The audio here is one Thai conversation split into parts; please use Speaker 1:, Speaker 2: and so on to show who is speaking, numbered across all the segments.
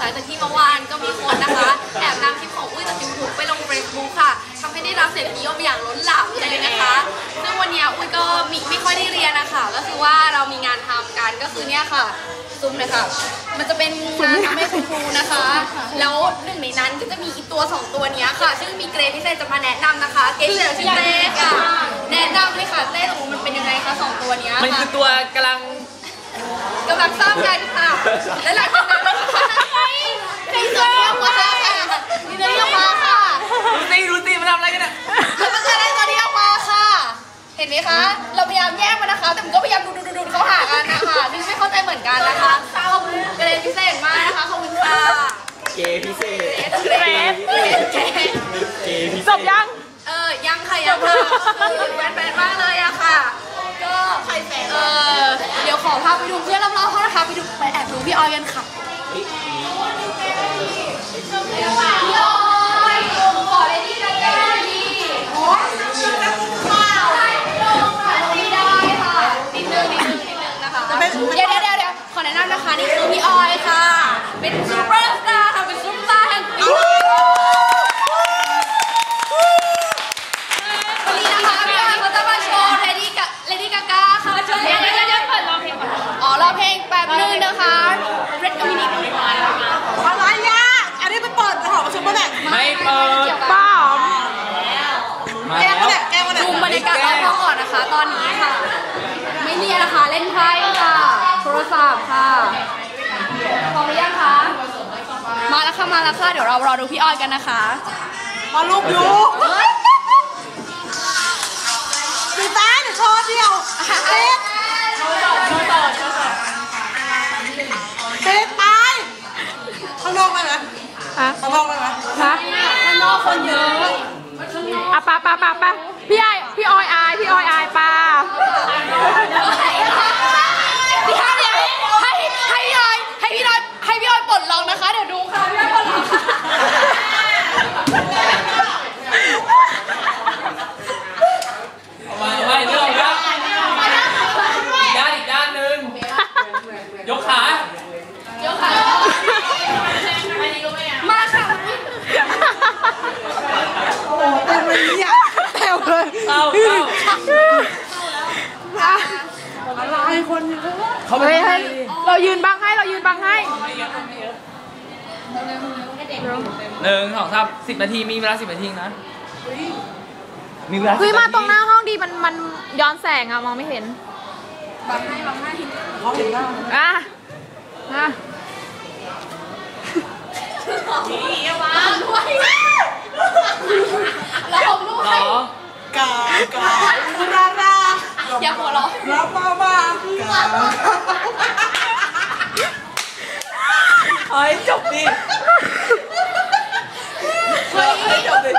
Speaker 1: ลังจากที่เมื่อวานก็มีคนนะคะแอบนำคลิปของอุ้ยจากยูทูบไปลงเฟซบุ๊กค่ะทำให้ได้รับเสียงนิยมอย่างล้นหลามเลยนะคะซึ่งวันนี้อุ้ยก็ไม่ค่อยได้เรียนนะคะก็คือว่าเรามีงานทำกันก็คือเนี่ยค่ะซุ้มเลยค่ะมันจะเป็นงานทำให้คุณครูนะคะแล้วหนึ่งในนั้นก็จะมีอีตัว2ตัวนี้ค่ะซึ่งมีเกรดพิเศษจะมาแนะนำนะคะเกรดพิเศษชื่อเต้ค่ะแนะนำเลยค่ะเต้ของมันเป็นยังไงคะ2ตัวนี้
Speaker 2: มันคือตัวกำลัง
Speaker 1: สร้างกันค่ะและหลังจากนั้นนะคะมีตัวเดียวมาค่ะมีตัวเดียวมาค่ะ
Speaker 2: รู้สิมันทำอะไรกันเนี่ย
Speaker 1: แล้วมันจะได้ตัวเดียวมาค่ะเห็นไหมคะเราพยายามแยกมันนะคะแต่มันก็พยายามดูเข้าหากันนะคะนี่ไม่เข้าใจเหมือนกันนะคะขอบคุณเกรดพิเศษมากนะคะขอบคุณค่ะ
Speaker 2: เกพิเศษ
Speaker 3: จบยัง
Speaker 1: ยังค่ะยังค่ะแฟนมากเลยอะค่ะก็ใครแฟนเดี๋ยวขอพาไปดูเพื่อนรอบๆเขานะคะไปแอบดูพี่ออยกันค่ะพี่ออยขอเลยดีนะจ๊ะดีได้ค่ะนิดนึงนะคะเดี๋ยวขอแนะนำนะคะนี่คือพี่ออยค่ะเป็นซูเปอร์สตาร์ค่ะเป็นซุปตาร์แห่งปีวันนี้นะคะพี่ออยเขาจะมาโชว์เลดี้กาก้าค่ะเดี๋ยวเปิดร้องเพลงก่อนร้องเพลงแป๊บนึงนะคะเรดมินิ
Speaker 3: อะไรยะอันนี้ไปเปิดหอประชุมมาแบบ
Speaker 2: ไม่เปิด
Speaker 3: ป้า
Speaker 1: แกมาดูบรรยากาศรอบๆก่อนนะคะตอนนี้ค่ะไม่เรียนนะคะเล่นไพ่ค่ะโทรศัพท์ค่ะพร้อมหรือยังคะมาแล้วค่ะเดี๋ยวเรารอดูพี่ออยกันนะคะ
Speaker 3: มาลูกอยู่ตีตาเดี๋ยวโชว์เดียวเต๊ะตายข้างนอกไปไหมข้างนอกไปไหม
Speaker 1: ข้างนอกคนเยอะ
Speaker 3: อ่ะป้าพี่ออยอายป้า
Speaker 1: ให้พี่ออยปลดล็อกนะคะเดี๋ยวดูค่ะพี่ออยปลดล็อก
Speaker 2: ไม่เรื่องครับอีกด้านหนึ่งยกขา
Speaker 1: มาค่ะ
Speaker 3: โอ้เต็มเลยเนี่ยเต็มเลยอะไรคนเยอะเรายืนบังให้
Speaker 2: 1 2 3 10 นาทีมีเวลา10 นาทีนะมีเวลา
Speaker 3: มาตรงหน้าห้องดีมันย้อนแสงอะมองไม่เห็น
Speaker 1: บังให้
Speaker 3: เขาเห็นบ้างอ่ะ
Speaker 1: นี่วางด้วยเราด้วย
Speaker 3: กา
Speaker 1: อย่าหัวเราะ
Speaker 3: รับมา
Speaker 2: เฮ้ยจบดิจบ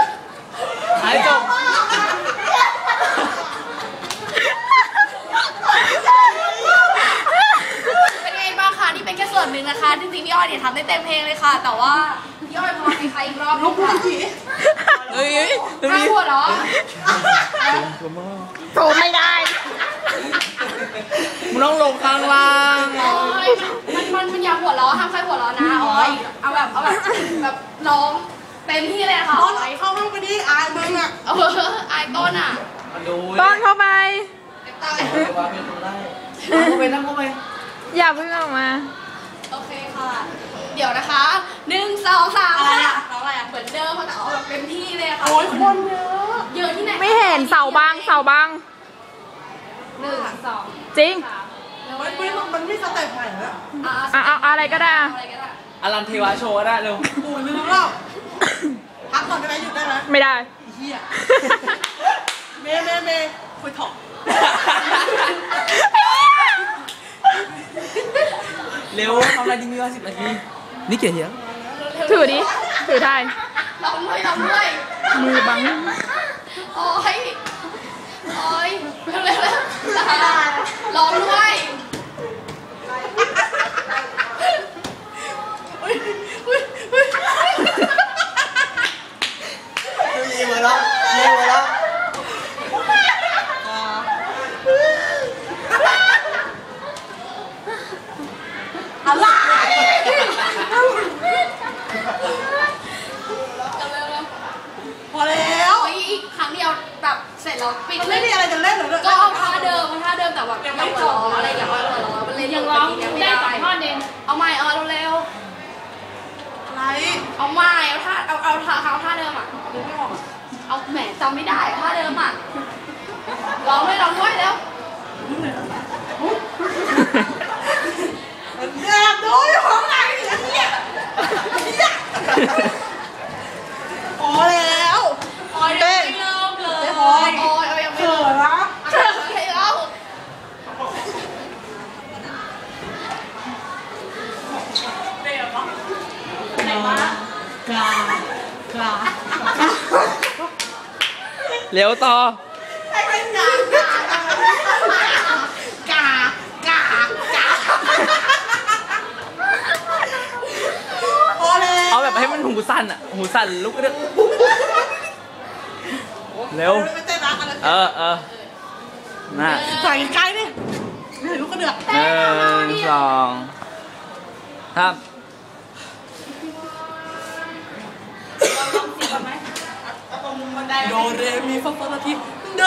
Speaker 1: เป็นไงบ้างคะนี่เป็นแค่ส่วนหนึ่งนะคะจริงๆพี่อ้อยเนี่ยทำได้เต็มเพลงเลยค่ะแต่ว่าพี่อ้อยพอมีใครอีกรอบลุกค่ะข้าหัวเหรอ
Speaker 3: โผล่ไม่ได้
Speaker 2: มึงต้องลงข้างล่าง
Speaker 1: มันอย่าหัวเราะห้ามใครหัวเราะนะอ้อยเอาแบบร้องเต็มที่เลยค่ะ
Speaker 3: ต้นเข้าห้องไปดิอายมึงอ่ะ
Speaker 1: อายต้นอ่ะ
Speaker 3: ต้นเข้าไป
Speaker 2: นั่งเข้าไป
Speaker 3: อย่าเพิ่งออกมา
Speaker 1: โอเคค่ะเดี๋ยวนะคะ1 2 3ค่ะเหมือนเดิมค่ะแต่เอาแบบเต็มที่เลยค่ะ
Speaker 3: โอ้ยคนเยอะ
Speaker 1: ที่ไหน
Speaker 3: ไม่เห็นเสาบาง1 2จริงมันไม่สเต็ปใหม่แล้วอะไรก็ได้
Speaker 2: อลันเทวาโชว์ได้เร็ว
Speaker 3: โอ้ยลืมแล้วพักก่อนได้ไหมหยุดได้ไหมไม่ได้เฮียเมย์คุยถอก
Speaker 2: เร็วทำอะไรดีมีว่า10 นาทีนี่เกี่ยวเหี้ย
Speaker 3: ถือดิถือได้
Speaker 1: ลองด้วย
Speaker 3: มือบัง
Speaker 1: โอ้ยเร็วลองด้วย
Speaker 2: ยิ้มแล้ว
Speaker 3: อะไร
Speaker 1: แต่แบบยังไม่ร้องอะไรอย่างเงี้ยมันเลยยังร้องได้2 ท่อนเองเอาใหม่เร็วอะไรเอาใหม่เอาท่าเดิมอ่ะนึกไม่ออกเอาแหมจำไม่ได้ท่าเดิมอ่ะร้องด้วยเร็ว
Speaker 3: แอบดูอยู่ข้างในเนี่ยพอแล้ว
Speaker 1: เต้นเริ่มเลยยังไม่
Speaker 3: เขินนะ
Speaker 1: ให้เล่า
Speaker 2: เร็วต่อ
Speaker 3: ให้เป็นกาพอแล้ว
Speaker 2: เอาแบบให้มันหูสั่นอ่ะหูสั่นลุกเร็วเร็วน่ะ
Speaker 3: ใส่ใกล้ดินี่ลูกกระเดือก
Speaker 2: 1 2 3
Speaker 3: โดเรมีฟาฟาลาทีโด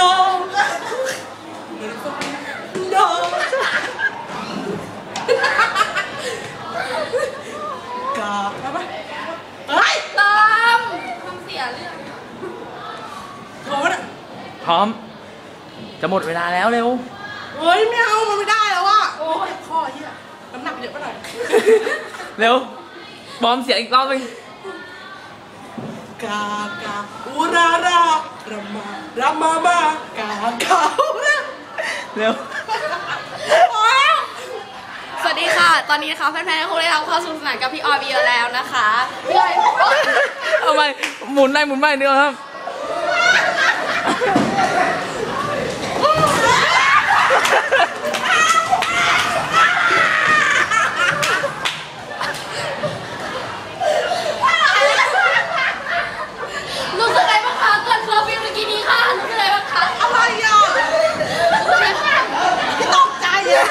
Speaker 3: กาไปเฮ้ย
Speaker 1: ตามทำเสียเรื่อง
Speaker 3: โถ่เนี่ย
Speaker 2: พร้อมจะหมดเวลาแล้วเร็ว
Speaker 3: เฮ้ยไม่เอามันไม่ได้แล้วอ่ะโอ้ยข้อเหี้ยน้ำหนักเยอะไปหน่อย
Speaker 2: เร็วบอมเสียงอีกรอบนึง
Speaker 3: กอูรารารามามากา
Speaker 2: เร็ว
Speaker 1: สวัสดีค่ะ ตอนนี้นะคะแฟนๆคงได้รับเข้าสู่สนานกับพี่ออยบีแล้วนะคะพี่ออย
Speaker 2: เอาไปหมุนได้หมุนไม่เดียวครับ
Speaker 1: รู้สึกไงบ้างคะเกิดเคอร์ฟิวเมื่อกี้นี้ค่ะรู้สึกไงบ้างคะ
Speaker 3: อะไรอ่ะพี่ตกใจอ่ะ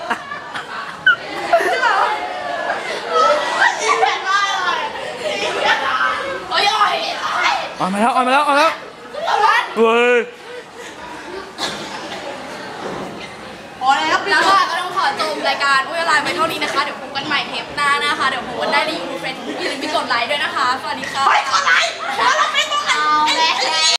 Speaker 2: ออกมาแล้วเว้ย
Speaker 3: พอแล้ว
Speaker 1: แล้วก็ต้องขอจบรายการอุ้ยอะไรไปเท่านี้นะคะ เดี๋ยวพบกันใหม่เทปหน้านะคะ เดี๋ยวพบกันได้ในยูทูบเฟซบุ๊กอย่าลืมไปกดไลค์ด้วยนะคะ สวัสดีค่ะ
Speaker 3: ไปกดไลค์แล้วเราไม่ต้อง